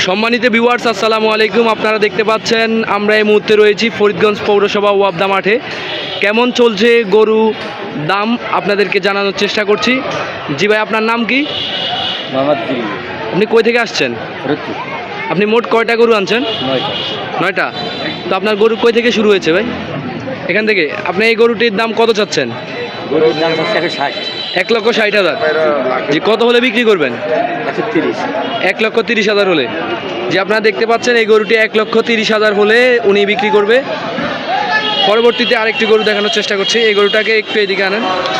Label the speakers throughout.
Speaker 1: সম্মানিত ভিউয়ার্স, আসসালামু আলাইকুম। আপনারা দেখতে পাচ্ছেন আমরা এই মুহূর্তে রয়েছি ফরিদগঞ্জ পৌরসভা ওয়াবদা মাঠে। কেমন চলছে গরু দাম আপনাদেরকে জানানোর চেষ্টা করছি। জি ভাই, আপনার নাম কি?
Speaker 2: মোহাম্মদ জিল্লু।
Speaker 1: আপনি কই থেকে আসছেন?
Speaker 2: ফরিদপুর।
Speaker 1: আপনি মোট কয়টা গরু আনছেন?
Speaker 2: 9টা।
Speaker 1: 9টা। তো আপনার গরু কই থেকে শুরু হয়েছে ভাই? এখান থেকে। আপনি এই গরুটির দাম কত চাচ্ছেন?
Speaker 2: গরুর দাম হচ্ছে 160।
Speaker 1: 1,60,000। জি, কত হলে বিক্রি করবেন?
Speaker 2: 130।
Speaker 1: 1,30,000 হলে। যে আপনারা দেখতে পাচ্ছেন এই গরুটি 1,30,000 হলে উনি বিক্রি করবে। পরবর্তীতে আরেকটি গরু দেখানোর চেষ্টা করছি। এই গরুটাকে একটু এদিকে আনেন।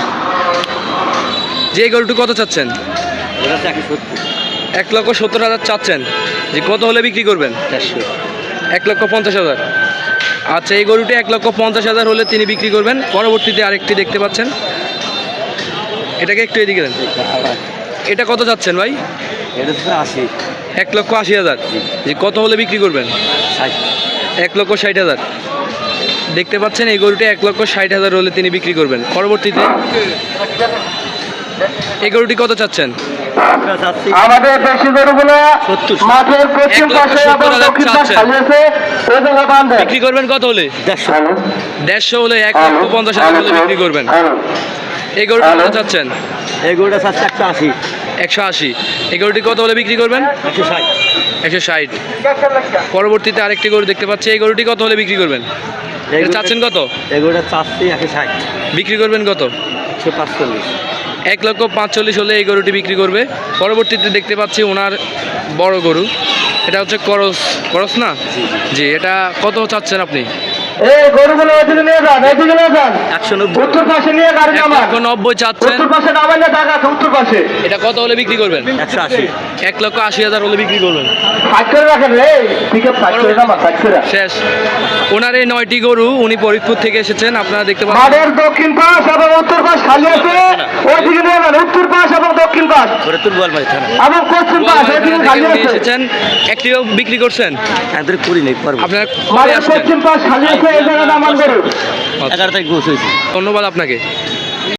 Speaker 1: যে এই গরুটি কত চাচ্ছেন?
Speaker 2: ওটা হচ্ছে 170।
Speaker 1: 1,70,000 চাচ্ছেন। যে কত হলে বিক্রি করবেন?
Speaker 2: 400।
Speaker 1: 1,50,000। আচ্ছা, এই গরুটি 1,50,000 হলে তিনি বিক্রি করবেন। পরবর্তীতে আরেকটি দেখতে পাচ্ছেন, এটাকে একটু এদিকে দেন। এটা কত চাচ্ছেন ভাই?
Speaker 2: এটা হচ্ছে 80।
Speaker 1: 1,80,000। যে কত হলে বিক্রি করবেন?
Speaker 2: 60।
Speaker 1: 1,60,000। দেখতে পাচ্ছেন এই গরুটি 1,60,000 হলে তিনি বিক্রি করবেন। পরবর্তীতে এই গরুটি কত চাচ্ছেন?
Speaker 3: আমাদের দেশি গরুগুলো
Speaker 2: 70।
Speaker 3: মাঠের পশ্চিম পাশে এবং
Speaker 1: 1,70,000
Speaker 3: দক্ষিণ পাশে
Speaker 1: চাচ্ছেন।
Speaker 3: খালিয়েছে ওই জায়গায় বাঁধেন।
Speaker 1: বিক্রি করবেন কত হলে?
Speaker 2: 150।
Speaker 1: 150 হলে 1,50,000 হলে বিক্রি করবেন। এই গরুটি কত চাচ্ছেন?
Speaker 2: এই গরুটা চাচ্ছে 180।
Speaker 1: 180। এই গরুটি কত হলে বিক্রি করবেন?
Speaker 2: 160।
Speaker 1: 160। পরবর্তীতে আরেকটি গরু দেখতে পাচ্ছি। এই গরুটি কত হলে বিক্রি করবেন? এটা চাচ্ছেন কত?
Speaker 2: এই গরুটা চাচ্ছি 160।
Speaker 1: বিক্রি করবেন কত?
Speaker 2: 145।
Speaker 1: 1,45,000 হলে এই গরুটি বিক্রি করবে। পরবর্তীতে দেখতে পাচ্ছি ওনার বড় গরু, এটা হচ্ছে করস না? জি, এটা কত চাচ্ছেন আপনি?
Speaker 3: এই গরুগুলো ওইদিকে নিয়ে যান, এইদিকে নিয়ে যান।
Speaker 2: 190।
Speaker 3: উত্তর পাশে নিয়ে গাড়ি নামান।
Speaker 1: 1,90,000 চাচ্ছেন।
Speaker 3: উত্তর পাশে নামাইলে টাকা আছে, উত্তর পাশে।
Speaker 1: এটা কত হলে বিক্রি করবেন?
Speaker 2: 180।
Speaker 1: 1,80,000 হলে বিক্রি করবেন।
Speaker 3: সাইড করে রাখেন রে, ঠিক আছে, সাইড করে নামান, সাইড করে।
Speaker 1: শেষ। ওনার এই 9টি গরু উনি ফরিদপুর থেকে এসেছেন। আপনারা দেখতে পাচ্ছেন
Speaker 3: মাঠের দক্ষিণ পাশ এবং উত্তর পাশ খালি আছে, ওইদিকে নিয়ে যান। উত্তর পাশ এবং দক্ষিণ পাশ
Speaker 2: ফরিদপুর গোয়ালমারি থানা।
Speaker 3: এবং পশ্চিম পাশ ওইদিকে খালি
Speaker 1: উনি
Speaker 3: আছে।
Speaker 1: এসেছেন। একটিও বিক্রি করছেন?
Speaker 2: একদম করি নেই পারবো।
Speaker 1: আপনারা কবে
Speaker 3: মাঠের
Speaker 1: আসছেন?
Speaker 3: পশ্চিম পাশ খালি আছে, এই জায়গায় নামান গরু।
Speaker 2: 11 তারিখ গোছ হয়েছে।
Speaker 1: ধন্যবাদ আপনাকে।